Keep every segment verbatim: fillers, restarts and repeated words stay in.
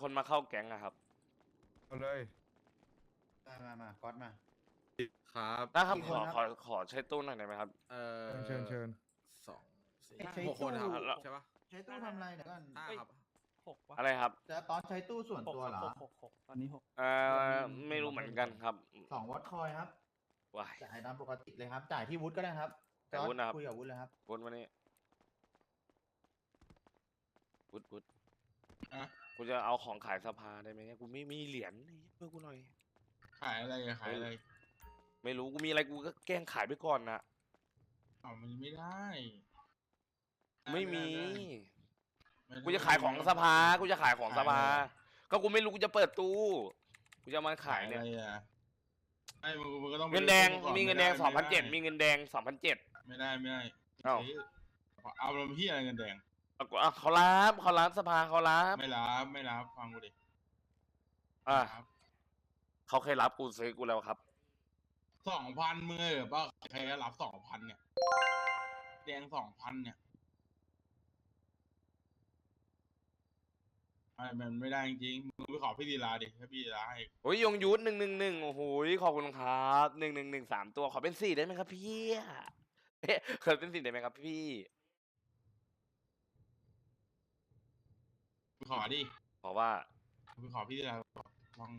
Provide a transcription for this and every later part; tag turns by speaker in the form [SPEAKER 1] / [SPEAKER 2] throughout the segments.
[SPEAKER 1] คนมาเข้าแก๊งอะครับ
[SPEAKER 2] เอาเลย
[SPEAKER 3] มามามาก๊อตมา
[SPEAKER 4] ครับ
[SPEAKER 1] ได้ครับ
[SPEAKER 3] กี่
[SPEAKER 1] ข
[SPEAKER 3] ค
[SPEAKER 1] อน
[SPEAKER 3] ครับ
[SPEAKER 1] ขอขอใช้ตู้หน่อยได้ไหมครับ
[SPEAKER 4] เอ่อ
[SPEAKER 2] เชิญเชิญ
[SPEAKER 4] สองสี่
[SPEAKER 3] ใช้
[SPEAKER 4] หกคนครับ
[SPEAKER 3] ตู้
[SPEAKER 4] ใช่ปะ
[SPEAKER 3] ใช้ตู้ทำอะไรเดี๋ยวก่อน
[SPEAKER 4] ห้าครับ
[SPEAKER 5] หกวะ
[SPEAKER 1] อะไรครับ
[SPEAKER 3] จะตอนใช้ตู้ส่วนตัวเหรอ
[SPEAKER 5] หกหกหกตอนนี้หก
[SPEAKER 1] เอ่อไม่รู้เหมือนกันครับ
[SPEAKER 3] สองวัตคอยครับ
[SPEAKER 1] ว้าย
[SPEAKER 3] จ่ายตามปกติเลยครับ จ่ายที่วุฒิก็ได้ครับ
[SPEAKER 1] แต่วุฒินะครับ
[SPEAKER 3] คุยกับวุฒิเลยครับ
[SPEAKER 1] วุฒิมานี่วุฒิวุฒิ
[SPEAKER 6] อะ
[SPEAKER 1] กูจะเอาของขายสภาได้ไหมเนี่ยกูไม่มีเหรียญเพื่อกูหน่อย
[SPEAKER 6] ขายอะไรอะขายอะไร
[SPEAKER 1] ไม่รู้กูมีอะไรกูก็แกล้งขายไปก่อนนะ
[SPEAKER 6] อ๋อมันไม่ได้
[SPEAKER 1] ไม่มี
[SPEAKER 6] ไม่ได้
[SPEAKER 1] กูจะขายของสภากูจะขายของสภาก็กูไม่รู้กูจะเปิดตู้กูจะมาขายเนี่ย
[SPEAKER 6] อะไรอะไอ้มึงมึงก็ต้องไป
[SPEAKER 1] เงินแดง
[SPEAKER 6] ดูก่อ
[SPEAKER 1] มีเงินแดง
[SPEAKER 6] ไไ
[SPEAKER 1] สองพันเจ็ดมีเงินแดงสองพันเจ็ด
[SPEAKER 6] ไม่ได้ไม่ได้
[SPEAKER 1] เอ้า
[SPEAKER 6] เอาเราพี่อะไรเงินแดง
[SPEAKER 1] เขารับเขารับสภาเขารับ
[SPEAKER 6] ไม่รับไม่รับฟังกูดิ
[SPEAKER 1] อ่ะ
[SPEAKER 6] ครับ
[SPEAKER 1] เขาเคยรับกูซื้อกูแล้วครับ
[SPEAKER 6] สองพันมือเหรอป่ะใครจะรับสองพันเนี่ย แดงสองพันเนี่ยไอ้มันไม่ได้จริงๆมึงไปขอพี่ดีลาดิถ้าพี่ดีลาให้
[SPEAKER 1] โอ้ยยงยุทธหนึ่งหนึ่งหนึ่งโอ้โหขอบคุณครับหนึ่งหนึ่งหนึ่งสามตัวขอเป็นสี่ได้ไหมครับพี่เอ๊ะเคยเป็นสี่ได้ไหมครับพี่
[SPEAKER 6] ไปขอดิ
[SPEAKER 1] เพราะว่า
[SPEAKER 6] ไปขอพี่ดีลาลอง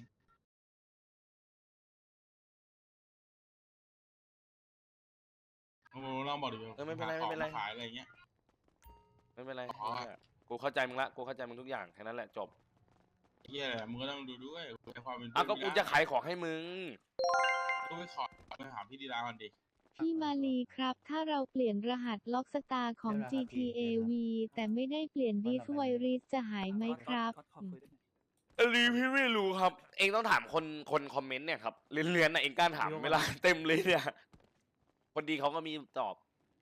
[SPEAKER 6] โอ้ลองบอกดิ
[SPEAKER 1] เออไม่เป็นไรไม่เป็นไร
[SPEAKER 6] ขอขายอะไรเงี้ย
[SPEAKER 1] ไม่เป็นไร
[SPEAKER 6] อ๋อ
[SPEAKER 1] กูเข้าใจมึงละกูเข้าใจมึงทุกอย่างแค่นั้นแหละจบ
[SPEAKER 6] เฮียมึงก็ต้องดูด้วยในความเป็น
[SPEAKER 1] อ่ะก็กูจะขายของให้มึง
[SPEAKER 6] ก็ไปขอไปหาพี่ดีลากันดิ
[SPEAKER 7] พี่มาลีครับ ถ้าเราเปลี่ยนรหัสล็อกสตาร์ของ
[SPEAKER 3] เดี๋ยวนะครับ
[SPEAKER 7] จี ที เอ วี แต่ไม่ได้เปลี่ยนดิสไวริสจะหายไหมครับ
[SPEAKER 5] ขอขอคุยด้วยหน่อย
[SPEAKER 1] อันนี้พี่ไม่รู้ครับ เองต้องถามคนคนคอมเมนต์เนี่ยครับเรียนๆนะเองกล้าถามเวลาเต็มเลยเนี่ยคนดีเขาก็มีตอบ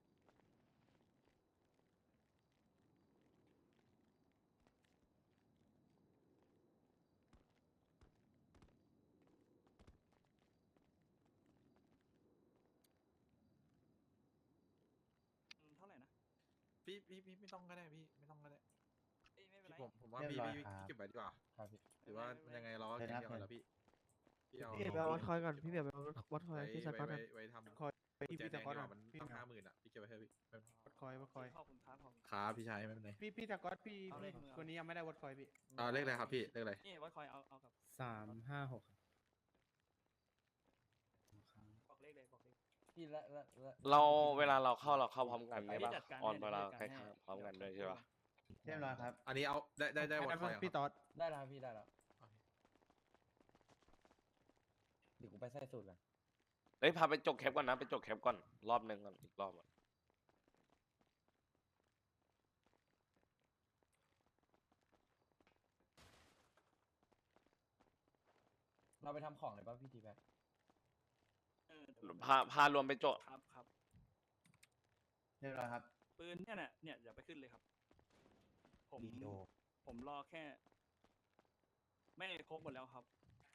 [SPEAKER 5] อืมเท่าไหร่นะ
[SPEAKER 4] พี่พี่พี่ไม่ต้องก็ได้พี่ไม่ต้องก็ได้
[SPEAKER 5] เอ้ยไม่เป็น
[SPEAKER 4] พี่
[SPEAKER 5] ไร
[SPEAKER 4] ผมผมว่า
[SPEAKER 3] เรียบ
[SPEAKER 4] พี่
[SPEAKER 3] ร้อย
[SPEAKER 4] พี่
[SPEAKER 3] ครับ
[SPEAKER 4] พี่เก็บไว้ดีกว่า
[SPEAKER 3] ครับพี่
[SPEAKER 4] หรือว่ายังไงเราก็
[SPEAKER 3] เดี๋
[SPEAKER 4] แค่
[SPEAKER 3] ยวนะ
[SPEAKER 4] เดียวกันแล้วพี่พี่เอา
[SPEAKER 8] พี่เบียร์วัดคอยก่อนพี่เบียร์ไปวัดคอย
[SPEAKER 4] ไว้
[SPEAKER 8] ที่สกอต
[SPEAKER 4] ไว้
[SPEAKER 8] ก่อน
[SPEAKER 4] ไว้ทำ
[SPEAKER 8] คอยไป
[SPEAKER 4] กุญ
[SPEAKER 8] ที่
[SPEAKER 4] แจ
[SPEAKER 8] พี่
[SPEAKER 4] แด
[SPEAKER 8] ส
[SPEAKER 4] ง
[SPEAKER 8] กอต
[SPEAKER 4] ดีก
[SPEAKER 8] ก่อ
[SPEAKER 4] ว่าน มัน
[SPEAKER 8] พี่
[SPEAKER 4] ต้องห้าหมื่นอ่ะพี่เก็บไว้เถอะพี่
[SPEAKER 8] วัดคอยวัดคอย
[SPEAKER 5] ขอบคุณครับขอบคุณ
[SPEAKER 4] ครับพี่ชายไม่เป็นไร
[SPEAKER 8] พี่พี่สกอตพี่
[SPEAKER 5] เอาเล
[SPEAKER 8] พี่
[SPEAKER 5] ข
[SPEAKER 8] คนนี้ยังไม่ได้วัดคอยพี่
[SPEAKER 4] อ่าเลขอะไรครับพี่เลขอะไร
[SPEAKER 5] นี่วัดคอยเอาเอากับ
[SPEAKER 8] สามห้าหก
[SPEAKER 5] บอกเลขเลยบอกเลข
[SPEAKER 3] พี่ละละละ
[SPEAKER 1] เราเวลาเราเข้าเราเข้าพร้อมกันใช่ปะ
[SPEAKER 5] จัดการ
[SPEAKER 1] ออน
[SPEAKER 5] ให้
[SPEAKER 1] เวลา
[SPEAKER 5] จัด
[SPEAKER 1] ใกล้
[SPEAKER 5] การให้
[SPEAKER 1] ๆพร้อมกันด้วยใช่ปะ
[SPEAKER 3] เรียบร้อยครับ
[SPEAKER 4] อันนี้เอาได้ได้ได้วัดคอย
[SPEAKER 8] พี่ต๊อด
[SPEAKER 3] ได้แล้วพี่ได้แล้วเดี๋ยวกูไปใส่สูตรก่อน
[SPEAKER 1] เอ้ยพาไปจกแคปก่อนนะไปจกแคปก่อนรอบหนึ่งก่อนอีกรอบอะ
[SPEAKER 3] เราไปทำของเลยป่ะพี่ทีแบ็ค
[SPEAKER 5] เออ
[SPEAKER 1] พาพารวมไปจก
[SPEAKER 5] ครับครับ
[SPEAKER 3] เรียบร้อยครับ
[SPEAKER 5] ปืนเนี่ยน่ะเนี่ยอย่าไปขึ้นเลยครับ ผม
[SPEAKER 3] วิดีโอ
[SPEAKER 5] ผมรอแค่ ไม่ครบหมดแล้วครับ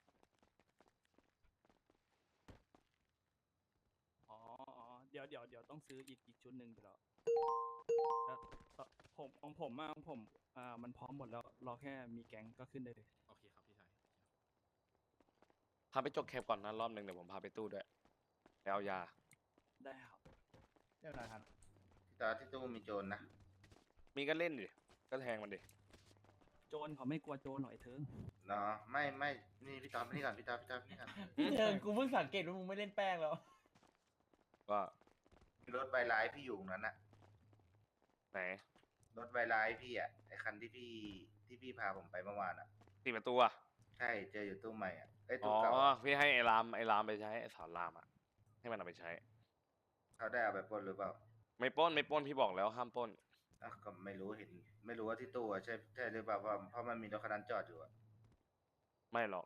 [SPEAKER 5] อ๋ออ๋อเดี๋ยวเดี๋ยวเดี๋ยวต้องซื้ออีกอีกชุดหนึ่งเดี๋ยวแล้วแล้วผมของผมอะของผมอ่ามันพร้อมหมดแล้วรอแค่มีแก๊งก็ขึ้นได้เลย
[SPEAKER 4] โอเคครับพี่ชาย
[SPEAKER 1] พาไปจกแคปก่อนนะรอบหนึ่งเดี๋ยวผมพาไปตู้ด้วยไปเอายา
[SPEAKER 5] ได้ครับ
[SPEAKER 3] เรียบร้อยครับ
[SPEAKER 9] ตาที่ตู้มีโจรนะ
[SPEAKER 1] มีก็เล่นดิก็แทงมันดิ
[SPEAKER 5] โจรเขาไม่กลัวโจรหน่อยเถิง
[SPEAKER 9] เนาะไม่ไม่นี่พี่ตอบนี่ก่อนพี่ตอบพี่ตอบนี่ก่อน
[SPEAKER 3] พี่เดินกูเพิ่งสังเกตว่ามึงไม่เล่นแป้งแล้ว
[SPEAKER 1] ว่า
[SPEAKER 9] รถใบลายพี่อยู่ตรงนั้นอะ
[SPEAKER 1] ไหน
[SPEAKER 9] รถใบลายพี่อะไอคันที่พี่ที่พี่พาผมไปเมื่อวานอะ
[SPEAKER 1] สี่ประตูอะ
[SPEAKER 9] ใช่เจออยู่ตู้ใหม่อะไอย
[SPEAKER 1] อ๋
[SPEAKER 9] ตู้
[SPEAKER 1] อ
[SPEAKER 9] เก่าอะ
[SPEAKER 1] พี่ให้ไอ้รามไอ้รามไปใช้ไอ้สอนรามอะให้มันเอาไปใช้
[SPEAKER 9] เขาได้เอาไปปล้นหรือเปล่า
[SPEAKER 1] ไม่ปล้นไม่ปล้นพี่บอกแล้วห้ามปล้น
[SPEAKER 9] อ่ะก็ไม่รู้เห็น ไม่รู้ว่าที่ตู้อะใช่ใช่หรือเปล่าเพราะเพราะมันมีรถคันนั้นจอดอยู่อะ
[SPEAKER 1] ไม่หรอก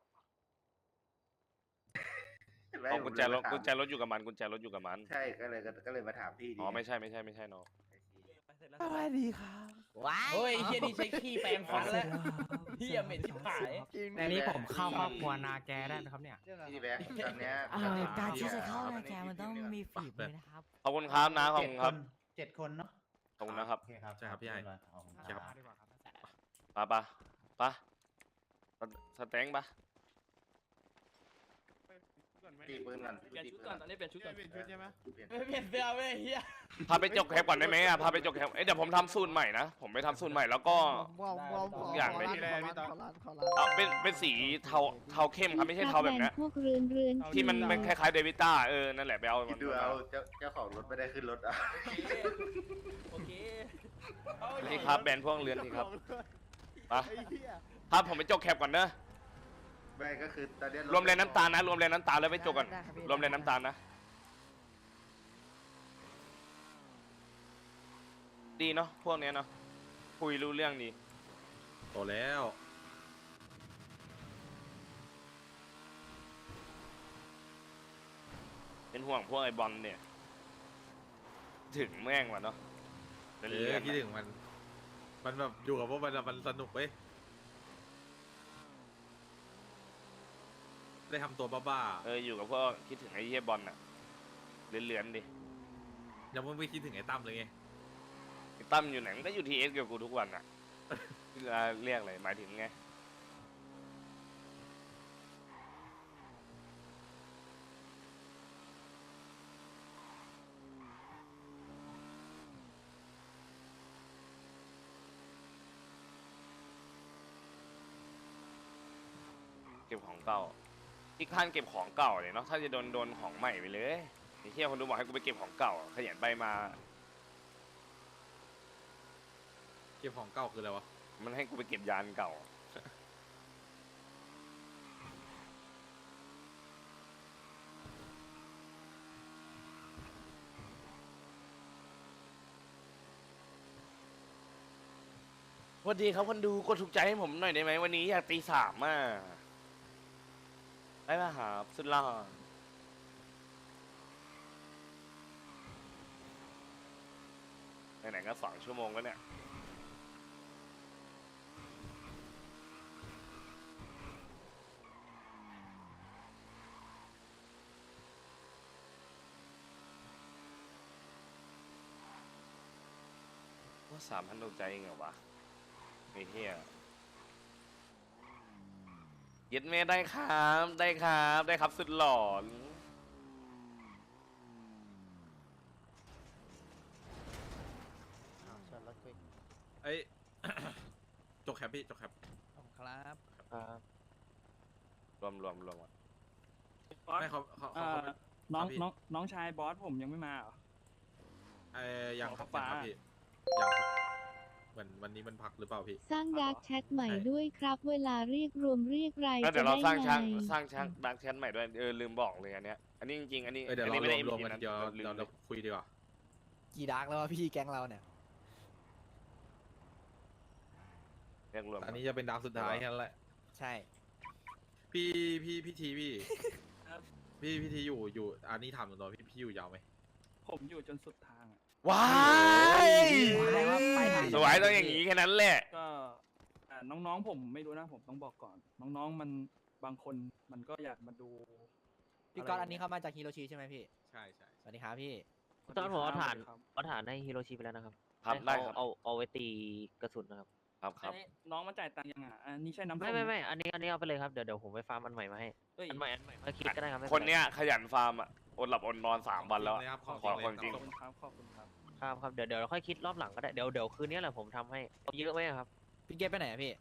[SPEAKER 9] ไม่
[SPEAKER 1] เอา
[SPEAKER 9] ผม
[SPEAKER 1] กุญแจรถ
[SPEAKER 9] เลยมาถาม
[SPEAKER 1] กุญแจรถอยู่กับมันกุญแจรถอยู่กับมัน
[SPEAKER 9] ใช่ก็เลยก็ก็เลยมาถามพี่ดี
[SPEAKER 1] อ๋อไม่ใช่ไม่ใช่ไม่ใช่น้อง
[SPEAKER 5] ไปเสร็จแล้ว
[SPEAKER 8] สวัสดีครับ
[SPEAKER 3] ว้ายเฮ้ยเฮียนี่ใช้ขี้แปรงฟันแล้วเฮียเหม็นชิบหาย
[SPEAKER 8] อันนี้ผมเข้าครอบครัวนาแกได้ไหมครับเนี่ย
[SPEAKER 3] เรียบร้อย
[SPEAKER 9] พี่
[SPEAKER 3] ครับ
[SPEAKER 9] แบ็คตอนเนี้ย
[SPEAKER 4] เอ่อการที่จะเข้า
[SPEAKER 9] ใน
[SPEAKER 4] แกมันต้องมีฝีมือนะ
[SPEAKER 8] ครับ
[SPEAKER 1] ขอบคุณครับนะขอบ
[SPEAKER 3] เจ็ด
[SPEAKER 1] คุณ
[SPEAKER 3] ค
[SPEAKER 1] ครับ
[SPEAKER 3] นเจ็ดคนเนาะ
[SPEAKER 1] ขอบคุณนะครับ
[SPEAKER 3] โอเคครับ
[SPEAKER 4] ใช่ครับพี่ไอ้
[SPEAKER 3] เยบร้อยขอบคุณ
[SPEAKER 4] ครับ
[SPEAKER 3] ครับ
[SPEAKER 8] ดีกว่าครับ
[SPEAKER 1] ปะปะปะสแตงปะ
[SPEAKER 9] ตีปืนก่อน
[SPEAKER 5] เปลี่ยนชุดก่อนตอนนี้เปลี่ยนชุดก่อน
[SPEAKER 9] เปลี่ยนชุดใช่ไหมเปลี่ยน
[SPEAKER 3] ไม่เปลี่ยนเสื้อเว้ยเฮีย
[SPEAKER 1] พาไปจกแคปก่อนได้ไหมอ่ะพาไปจกแคปเอ้ยเดี๋ยวผมทำสูตรใหม่นะผมไปทำสูตรใหม่แล้วก็
[SPEAKER 8] วอมวอม
[SPEAKER 1] ทุกอย่างไม่
[SPEAKER 8] ขอร้านขอร้านขอร้าน
[SPEAKER 1] เอาเป็นเป็นสีเทาเทาเข้มครับไม่ใช่เทาแบบเนี้ย
[SPEAKER 7] พวกเรือนเรือน
[SPEAKER 1] ที่มันเป็นคล้ายๆเดวิต้าเออนั่นแหละไปเอา
[SPEAKER 9] คิ
[SPEAKER 1] มั
[SPEAKER 9] ด
[SPEAKER 1] น
[SPEAKER 9] ดูเอาเจ้าเจ้าของรถไม่ได้ขึ้นรถอ่ะ
[SPEAKER 5] โอเค
[SPEAKER 1] นี่ครับแบรนด์พวกเรือนนี่ครับไป
[SPEAKER 8] ไอ้เหี้ย
[SPEAKER 1] พาผมไปจกแคปก่อนเนอะ
[SPEAKER 9] ไม่ก็คือตอนเนี้ย
[SPEAKER 1] รวมแรงน้ำตาลนะรวมแรงน้ำตาลแล้วไปจกก่อน
[SPEAKER 8] ได้ครับพี่
[SPEAKER 1] รวมแรงน้ำตาลนะดีเนาะพวกเนี้ยเนาะคุยรู้เรื่องดี
[SPEAKER 4] โตแล้ว
[SPEAKER 1] เป็นห่วงพวกไอ้บอลเนี่ย ถึงแม่งว่ะเนาะ
[SPEAKER 4] เอ
[SPEAKER 1] เรื่
[SPEAKER 4] อ
[SPEAKER 1] อง
[SPEAKER 4] คิดถึงมัน มันแบบอยู่กับพวกมันอะมันสนุกเว้ยได้ทำตัวบ้า
[SPEAKER 1] เอออยู่กับพวกคิดถึงไอ้เหี้ยบอลน่ะเลือนๆดิ
[SPEAKER 4] ๆยังไม่คิดถึงไอ้ตั้มเลยไง
[SPEAKER 1] ไอ้ตั้มอยู่ไหนมันก็อยู่ทีเอสกับกูทุกวันอ่ะ เวลาเรียกอะไรหมายถึงไงเก็บของเก่าที่ข้านเก็บของเก่าเลยเนาะถ้าจะโดนโดนของใหม่ไปเลยไอ้เที่ยคนดูบอกให้กูไปเก็บของเก่าขยันไปมา
[SPEAKER 4] เก็บของเก่าคืออะไรวะ
[SPEAKER 1] มันให้กูไปเก็บยานเก่า สวัสดีครับคนดูกดถูกใจให้ผมหน่อยได้ไหมวันนี้อยากตีสามอ่ะได้ป่ะครับสุดหล่อไหนๆก็สองชั่วโมงแล้วเนี่ยว่าสามพันดวงใจเองเหรอวะไอ้เหี้ยเย็ดเมได้ครับได้ครับได้ครับสุดหลอน
[SPEAKER 8] ชนรถคุย
[SPEAKER 4] ไอ้ย จกแคปพี่จกแคป
[SPEAKER 8] ครับ
[SPEAKER 1] รวมรวมรวมอ่ะ
[SPEAKER 5] บอส
[SPEAKER 4] ไม่เขาเขา
[SPEAKER 5] เอ่
[SPEAKER 4] เขา
[SPEAKER 5] อน้อง
[SPEAKER 4] ครับพี่
[SPEAKER 5] น้องน้องชายบอสผมยังไม่มาเหรอ
[SPEAKER 4] ไอ้ยังครับ
[SPEAKER 5] ฟ้า
[SPEAKER 4] ยังครับพี่ยังครับเหมือนวันนี้มันพักหรือเปล่าพี่
[SPEAKER 7] สร้างดาร์กแชทใหม่ด้วยครับ เวลาเรียกรวมเรียกราย
[SPEAKER 1] แล้วเดี๋
[SPEAKER 7] จะ
[SPEAKER 1] ยวเรา
[SPEAKER 7] ได้
[SPEAKER 1] สร้าง
[SPEAKER 7] ไง
[SPEAKER 1] ช่างสร้างช่างดักแชทใหม่ด้วยเออลืมบอกเลยอันเนี้ยอันนี้จริงๆอันนี้
[SPEAKER 4] เออเดี๋ยว
[SPEAKER 1] อัน
[SPEAKER 4] เรา
[SPEAKER 1] นี้ไม่ได้
[SPEAKER 4] รวม
[SPEAKER 1] เอ็
[SPEAKER 4] รวม
[SPEAKER 1] ม
[SPEAKER 4] กัน
[SPEAKER 1] นะ
[SPEAKER 4] เดี๋ยว
[SPEAKER 1] ลืม
[SPEAKER 4] เรา
[SPEAKER 1] เล
[SPEAKER 4] เรา
[SPEAKER 1] ย
[SPEAKER 4] คุยดีกว่า
[SPEAKER 8] กี่ดาร์กแล้ววะพี่แก๊งเราเนี่ย
[SPEAKER 1] เรียกรวม
[SPEAKER 4] อันนี้จะเป็นดาวสุดท้ายแค่นั้นแหละ
[SPEAKER 8] ใช่
[SPEAKER 4] พี่พี่พี่ทีพี่
[SPEAKER 5] ครับ
[SPEAKER 4] พี่พี่ทีอยู่อยู่อันนี้ถามตรงๆพี่พี่อยู่ยาวไหม
[SPEAKER 5] ผมอยู่จนสุดทางอะ
[SPEAKER 1] ว้าย
[SPEAKER 8] แสดงว่าไปทาง
[SPEAKER 1] สวยต้องอย่างนี้แค่นั้นแหละ
[SPEAKER 5] ก็อ่าน้องๆผมไม่รู้นะผมต้องบอกก่อน น้องๆมันบางคนมันก็อยากมาดู
[SPEAKER 8] พี่ก๊อตอันนี้เขามาจากฮิโรชิใช่ไหมพี่
[SPEAKER 4] ใช่ใช่
[SPEAKER 8] สวัสดีครับพี่
[SPEAKER 2] ตอนผมเอาฐาน
[SPEAKER 5] ครับ
[SPEAKER 2] เอาฐานให้ฮิโรชิไปแล้วนะครับ
[SPEAKER 1] ครับ
[SPEAKER 2] ให้
[SPEAKER 1] ได้
[SPEAKER 2] เขา
[SPEAKER 1] ครับ
[SPEAKER 2] เอาเอาไว้ตีกระสุนนะครับ
[SPEAKER 1] ครับครับ
[SPEAKER 5] อันนี้น้องมาจ่ายตังค์ยังอ่ะอันนี้ใช่น้ำส้
[SPEAKER 2] ไม่ไม่ไม่อันนี้อันนี้เอาไปเลยครับเดี๋ยวเดี๋ยวผมไปฟาร์มอันใหม่มาให้
[SPEAKER 5] เอ้ย
[SPEAKER 2] อันใหม่อันใหม่ค่อยคิดก็ได้ครับไม่
[SPEAKER 1] ค
[SPEAKER 2] เป็น ไร
[SPEAKER 1] เนี้ยขยันฟาร์มอ่ะอดหลับอดนอนสามวันแล้วอะ
[SPEAKER 4] เลยครับ
[SPEAKER 1] ขอ
[SPEAKER 4] ของ
[SPEAKER 1] คนจริง
[SPEAKER 5] ขอบคุณครับขอบคุณครับ
[SPEAKER 2] ครับครับเดี๋ยวเดี๋ยวเราค่อยคิดรอบหลังก็ได้เดี๋ยวเดี๋ยวคืนนี้แหละผมทำให้เอาเยอะไหมอะครับ
[SPEAKER 8] พี่เกตไปไหนอะพี่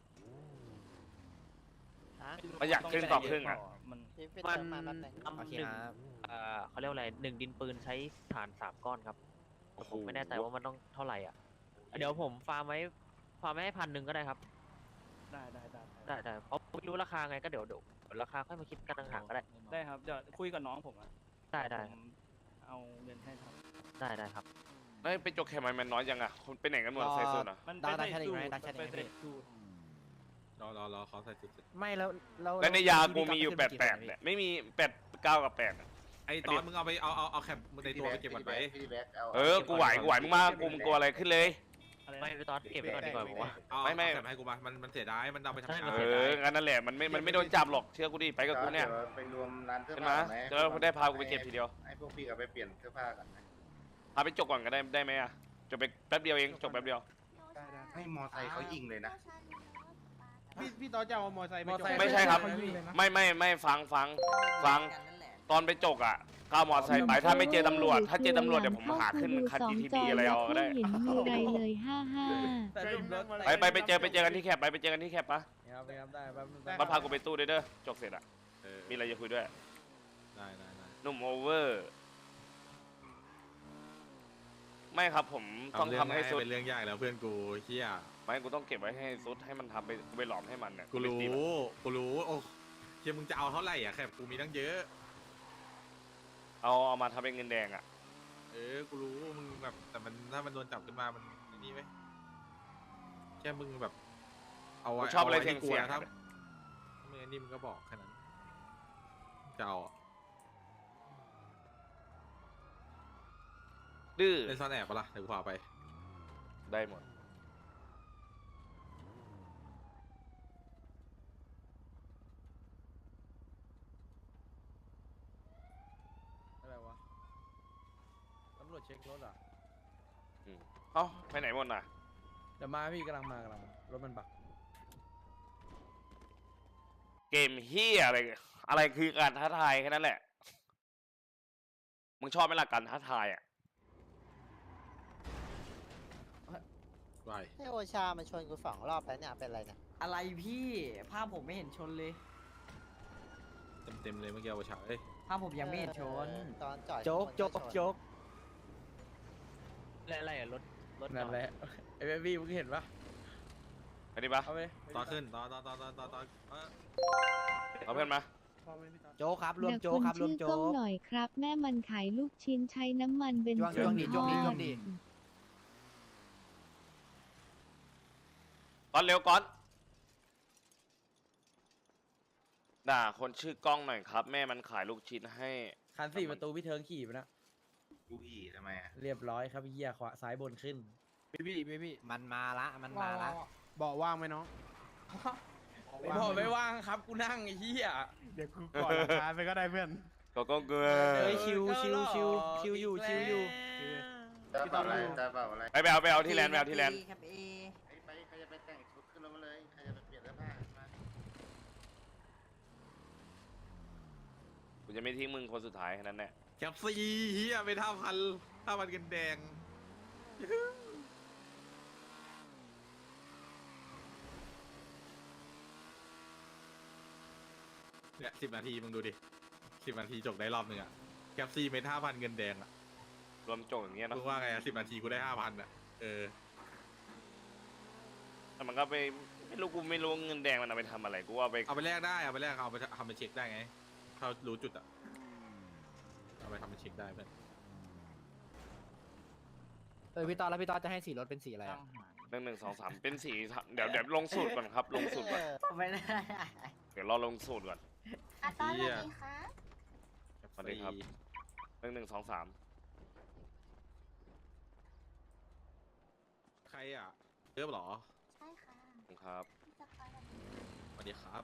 [SPEAKER 1] ประหยัดครึ่งต่อครึ่งอะ
[SPEAKER 5] มัน
[SPEAKER 2] มัน
[SPEAKER 8] โอเค
[SPEAKER 2] หนึ่ง
[SPEAKER 8] ครับ
[SPEAKER 2] เอ่อเขาเรียกว่าอะไรหนึ่งดินปืนใช้ฐานสามก้อนครับ
[SPEAKER 1] โอ้โห
[SPEAKER 2] ผมไม่แน่ใจว่ามันต้องเท่าไหร่อ่ะเดี๋ยวผมฟาร์มไว้ฟาร์มไว้ให้พันหนึ่งก็ได้ครับ
[SPEAKER 5] ได้ได้ได้
[SPEAKER 2] ได้ได้เพราะไม่รู้ราคาไงก็เดี๋ยวเดี๋ยวเดี๋ยวราคาค่อยมาคิดกันต่างหากก็ได้
[SPEAKER 5] ได้ครับเดี๋ยวคุยกับน้องผมอ่ะ
[SPEAKER 2] ได้ได้
[SPEAKER 5] ผมเอาเงินให้ครับ
[SPEAKER 2] ได้ได้ครับ
[SPEAKER 1] ไม่ไปจกแคมมันน้อยยังอ่ะคนไปไหนกันหมด
[SPEAKER 8] รอ
[SPEAKER 1] ใส่สูทอ่ะ
[SPEAKER 5] มัน
[SPEAKER 8] ดาว
[SPEAKER 5] ไป
[SPEAKER 8] ดาวแชทอีกไหม
[SPEAKER 5] สูตร
[SPEAKER 8] ดาวแชทอีกไหม
[SPEAKER 5] ไปใส่
[SPEAKER 8] พี่
[SPEAKER 5] สูตร
[SPEAKER 4] รอรอรอเขาใส่สุด
[SPEAKER 8] ไม่แล้วแล้ว
[SPEAKER 1] และในยากู
[SPEAKER 8] พี่
[SPEAKER 1] มีอยู่
[SPEAKER 8] ก๊
[SPEAKER 1] แป
[SPEAKER 8] ต
[SPEAKER 1] ด
[SPEAKER 8] ขึ้
[SPEAKER 1] แป
[SPEAKER 8] น
[SPEAKER 1] ด
[SPEAKER 8] กี่
[SPEAKER 1] เนี่ยไม่มีแปดเก้ากับแปดอะ
[SPEAKER 4] ไอ้ตอนมึงเอาไปเอาเอาเอาแคปในตัวไปเก็บก่อนไป
[SPEAKER 9] พี่แบ็คเอา
[SPEAKER 1] เออกูไหวกูไหวมึงมากกูมึงกลัวอะไรขึ้นเลย
[SPEAKER 5] อะไรนะ
[SPEAKER 2] ไม่ไปตอนเก็บไว้ก่อนดีกว่าผมว่า
[SPEAKER 4] เอา
[SPEAKER 1] ไม่ไม่
[SPEAKER 4] เอาแคปให้กูมามันมันเสียดายมันเอาไปทำ
[SPEAKER 2] ใช่
[SPEAKER 4] งาน
[SPEAKER 2] มัน
[SPEAKER 1] เอ
[SPEAKER 2] สียดาย
[SPEAKER 1] องั้นนั่นแหละมันไม่มันไม่โดนจับหรอกเชื่อกูดิไปกับกูเนี่ย
[SPEAKER 9] ดี๋วไปรวมร้านเสื้อ
[SPEAKER 1] ใช่ไหม
[SPEAKER 9] ผ้าก่อนไหม
[SPEAKER 1] จะได้พากูไปเก็บทีเดียว
[SPEAKER 9] ให้พวกพี่กับไปเปลี่ยนเสื้อผ้ากันไหม
[SPEAKER 1] พาไปจกก่อนก็ได้ได้ไหมอ่ะจบไปแป๊บเดียวเองจบแป๊บเดียว
[SPEAKER 9] ให้มอไซค์เขายิงเลยนะ
[SPEAKER 3] พี่พี่ต่อจะเอามอไซค์ไปจอด
[SPEAKER 1] ไม่ใช่ครับ
[SPEAKER 3] เขายิงเลยนะ
[SPEAKER 1] ไม่ไม่ไม่ฟังฟังฟังตอนไปจกอ่ะก้าวมอไซค์ไปถ้าไม่เจอตำรวจ ถ้าเจอตำรวจเดี๋ยวผมหาขึ้นคัน
[SPEAKER 7] สอง
[SPEAKER 1] จี
[SPEAKER 7] จ
[SPEAKER 1] ที
[SPEAKER 7] อ
[SPEAKER 1] อะไร
[SPEAKER 7] แล้ว
[SPEAKER 1] เอาก็ได้
[SPEAKER 7] ไม่เห็นมีอะไรเลยห้าห้า
[SPEAKER 1] ไปไปไปเจอไปเจอกันที่แคปไปไปเจอกันที่แคปปะ
[SPEAKER 3] ครับครับได้แป๊บนึง
[SPEAKER 1] มาพากูไปตู้ด้วยเด้อจกเสร็จอ่ะ
[SPEAKER 4] เออ
[SPEAKER 1] มีอะไรจะคุยด้วย
[SPEAKER 4] ได้ได้ได้
[SPEAKER 1] หนุ่มโอเวอร์ ไม่ครับผมต้อง
[SPEAKER 4] เรื่
[SPEAKER 1] ทำให้
[SPEAKER 4] ง่าย
[SPEAKER 1] สุด
[SPEAKER 4] เป็นเรื่องยากแล้วเพื่อนกูเฮีย
[SPEAKER 1] ไม่กูต้องเก็บไว้ให้สุดให้มันทำไปกูไปหลอมให้มันเนี่ย
[SPEAKER 4] กูรู้
[SPEAKER 1] ไปตีมัน
[SPEAKER 4] กูรู้โอ้เฮียมึงจะเอาเท่าไหร่อ่ะแค่กูมีตั้งเยอะ
[SPEAKER 1] เอาเอามาทำเป็นเงินแดงอ่ะ
[SPEAKER 4] เออ กูรู้มึงแบบแต่มันถ้ามันโดนจับขึ้นมามันนี่ไหมแค่มึงแบบ เอาไว้
[SPEAKER 1] กูชอบอะไร
[SPEAKER 4] าว้ที่
[SPEAKER 1] เสี่ยงๆ
[SPEAKER 4] ถ้า
[SPEAKER 1] อะ
[SPEAKER 4] มึงอันนี้มึงก็บอกแค่นั้นจะเอาอะ
[SPEAKER 1] ดื้อ
[SPEAKER 4] เล่นซ่อนแอบปะล่ะเดี๋ยวกูพาไป
[SPEAKER 1] ได้หมด
[SPEAKER 3] อะไรวะตำรวจเช็ครถอ่ะ
[SPEAKER 1] อืมเอ้าไปไหนหมดน่ะ
[SPEAKER 3] เดี๋ยวมาพี่กำลังมากำลังมารถมันบัก
[SPEAKER 1] เกมเฮียอะไร อะไรคือการท้าทายแค่นั้นแหละ มึงชอบไหมล่ะการท้าทายอ่ะ
[SPEAKER 4] ไป
[SPEAKER 8] ให้โอชามาชนกูสองรอบแล้วเนี่ยเป็นไรเนี่ย
[SPEAKER 10] อะไรพี่ภาพผมไม่เห็นชนเลย
[SPEAKER 4] เต็มเต็มๆเลยเมื่อกี้เอาไปฉายเอ้ย
[SPEAKER 10] ภาพผมยังไม่เห็นชน
[SPEAKER 8] ตอนจอด
[SPEAKER 3] โจ๊กโจ๊กโจ๊ก
[SPEAKER 2] อะไรอะไรอะรถรถ
[SPEAKER 3] นั่นแหละไอ้เบบี้มึงเห็นปะ
[SPEAKER 1] อันนี้ปะ
[SPEAKER 3] เอาไป
[SPEAKER 4] ต่อขึ้นต่อต่อต่อต่อต่อต่อเออ
[SPEAKER 1] เอาเพื่อนมา
[SPEAKER 8] โจ๊กครับรวม
[SPEAKER 7] แต่
[SPEAKER 8] โจ๊
[SPEAKER 7] ค
[SPEAKER 8] ก
[SPEAKER 7] น
[SPEAKER 8] ครับรว
[SPEAKER 7] ชื่
[SPEAKER 8] ม
[SPEAKER 7] อ
[SPEAKER 8] โจ๊
[SPEAKER 7] ก้อง
[SPEAKER 8] ก
[SPEAKER 7] หน่อยครับ แม่มันขายลูกชิ้นใช้น้ำมันเบน
[SPEAKER 8] จ้วง
[SPEAKER 7] ซิ
[SPEAKER 8] จ้วง
[SPEAKER 7] น
[SPEAKER 8] ดิ
[SPEAKER 7] ท
[SPEAKER 8] จ้วงดิ
[SPEAKER 7] อ
[SPEAKER 8] จ้ว
[SPEAKER 7] ด
[SPEAKER 8] งดิ
[SPEAKER 1] ก้อนเร็วก้อน ด่าคนชื่อกล้องหน่อยครับ แม่มันขายลูกชิ้นให้
[SPEAKER 3] คันสี่ประตูพี่เทิงขี่ไปนะ
[SPEAKER 9] กูอีทำไมอะ
[SPEAKER 3] เรียบร้อยครับเหี้ยขวาซ้ายบนขึ้นพี่พี่พี่พี่
[SPEAKER 8] มันมาละมันมาละ
[SPEAKER 3] เบาะว่างไหมน้องเบาะไม่ว่างครับกูนั่งไอ้เหี้ยเดี๋ยวกูกอดราคาไปก็ได้เพื่อน
[SPEAKER 1] ก็ก็เกลือ
[SPEAKER 8] เฮ้ยชิวชิวชิวชิวอยู่ชิวอยู่
[SPEAKER 9] ได้เปล่าอะไรได้เปล่าอะไร
[SPEAKER 1] ไปไปเอาไปเอาที่แลนด์ไปเอาที่แลนด์
[SPEAKER 10] ครับเอ
[SPEAKER 9] ไปไปใครจะไปแต่งชุดขึ้นรถมาเลย ใครจะไปเปลี่ยนเสื้อผ้ามา
[SPEAKER 1] กูจะไม่ทิ้งมึงคนสุดท้ายแค่นั้นแหละ
[SPEAKER 4] แคปซีเฮียไปท่าพันท่าพันกันแดงเนี่ยสิบนาทีมึงดูดิสิบนาทีจบได้รอบหนึ่งอะแคปซีเมท่าพันเงินแดงอะ
[SPEAKER 1] รวมจงอย่างเงี้ยเนาะ
[SPEAKER 4] มึงว่าไงอะสิบนาทีกูได้ห้าพันอะเออ
[SPEAKER 1] แต่มันก็ไปไม่รู้กูไม่รู้เงินแดงมันเอาไปทำอะไรกูว่าไป
[SPEAKER 4] เอาไปแลกได้เอาไปแลกเอาไปทำเป็นเช็คได้ไงถ้ารู้จุดอะเอาไปทำเป็นเช็คได้เพื่อน
[SPEAKER 8] เออพี่ตอนแล้วพี่ตอนจะให้สีรถเป็นสีอะไรอะ
[SPEAKER 1] หนึ่งหนึ่งสองสามเป็นสีเดี๋ยวเดี๋ยวลงสูตรก่อนครับลงสูตรก่อน
[SPEAKER 10] ไม่ได้
[SPEAKER 1] เดี๋ยวรอลงสูตรก่อน
[SPEAKER 7] อ่ะตอนสวัสดีค่ะ
[SPEAKER 1] สวัสดีครับหนึ่งหนึ่งสองสาม
[SPEAKER 4] ใครอะเริ่มเหรอ
[SPEAKER 7] ใช่ค่ะ
[SPEAKER 1] ครับ
[SPEAKER 7] พี่จะคอยแบบนี้
[SPEAKER 4] สวัสดีครับ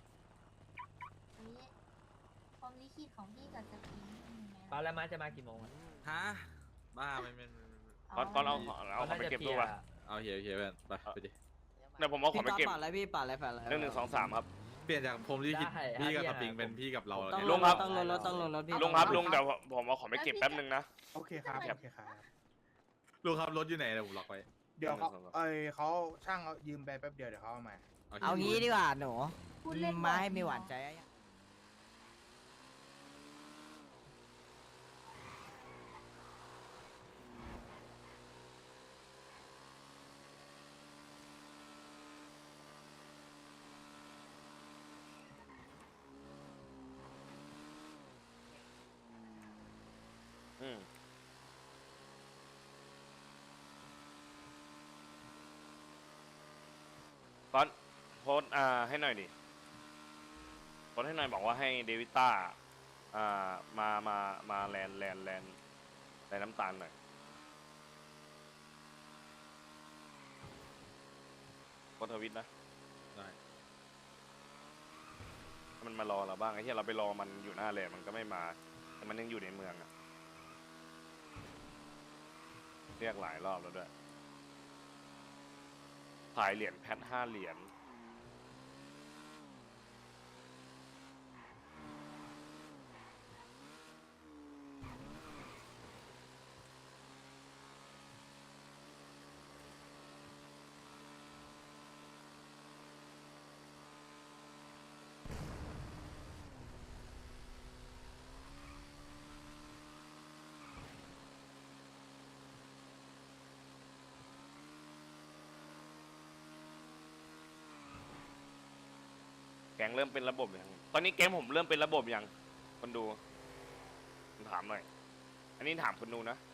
[SPEAKER 7] ความลิขิตของพี่กับสปริงเป็นยังไง
[SPEAKER 2] ตอนแล้วมาจะมากี่โมงอะ
[SPEAKER 4] ฮะบ้าไม่ไม่ไม่
[SPEAKER 1] ก้อนก้อนเอาเอาเขาไปเก็บตู้ป่ะ
[SPEAKER 4] เอาเฮียเฮียเพื่อนไปไปดิ
[SPEAKER 1] เดี๋ยวผมเอาข
[SPEAKER 10] พี่
[SPEAKER 1] องไป
[SPEAKER 10] ก๊อต
[SPEAKER 1] เก็บ
[SPEAKER 10] ปัดอะไรพี่ปัดอะไรปัดอะไร
[SPEAKER 1] หนึ่งหนึ่งสองสามครับ
[SPEAKER 4] เปลี่ยนจากผมที่คิดพี่กับสปริงเป็นพี่กับเรา
[SPEAKER 10] ต้อง
[SPEAKER 1] ลุ
[SPEAKER 10] ล
[SPEAKER 1] ง
[SPEAKER 10] ง
[SPEAKER 1] ค
[SPEAKER 10] ร
[SPEAKER 1] รับ
[SPEAKER 10] ถต้องลงรถต้องลงรถพี่
[SPEAKER 1] ลุงครับลุงเดี๋ยวผมเอาของไปเก็บแป๊บนึงนะ
[SPEAKER 3] โอเคครับโอเคครับ
[SPEAKER 4] ลุงครับรถอยู่ไหนเดี๋ยวผมล็อกไว้
[SPEAKER 3] เดี๋ยวเขาเอ้ยเขาช่างเอายืมไปแป๊บเดียวเดี๋ยวเขาเอามา
[SPEAKER 10] เอางี้ดีกว่าหนู
[SPEAKER 7] พูดเล่น
[SPEAKER 10] มาให้มีหวานใจอะ
[SPEAKER 1] อืมก้อนโพสต์อ่าให้หน่อยดิโพสต์ให้หน่อยบอกว่าให้เดวิต้าอ่ามามามาแลนแลนแลนแลนน้ำตาลหน่อยโพสต์ทวิตนะ
[SPEAKER 4] ได้
[SPEAKER 1] ให้มันมารอเราบ้างไอ้ที่เราไปรอมันอยู่หน้าแลนมันก็ไม่มาแต่มันยังอยู่ในเมืองอะเรียกหลายรอบแล้วด้วยขายเหรียญแพทห้าเหรียญก๊งเริ่มเป็นระบบยังตอนนี้แก๊งผมเริ่มเป็นระบบยังคนดูผมถามหน่อยอันนี้ถามคนดูนะ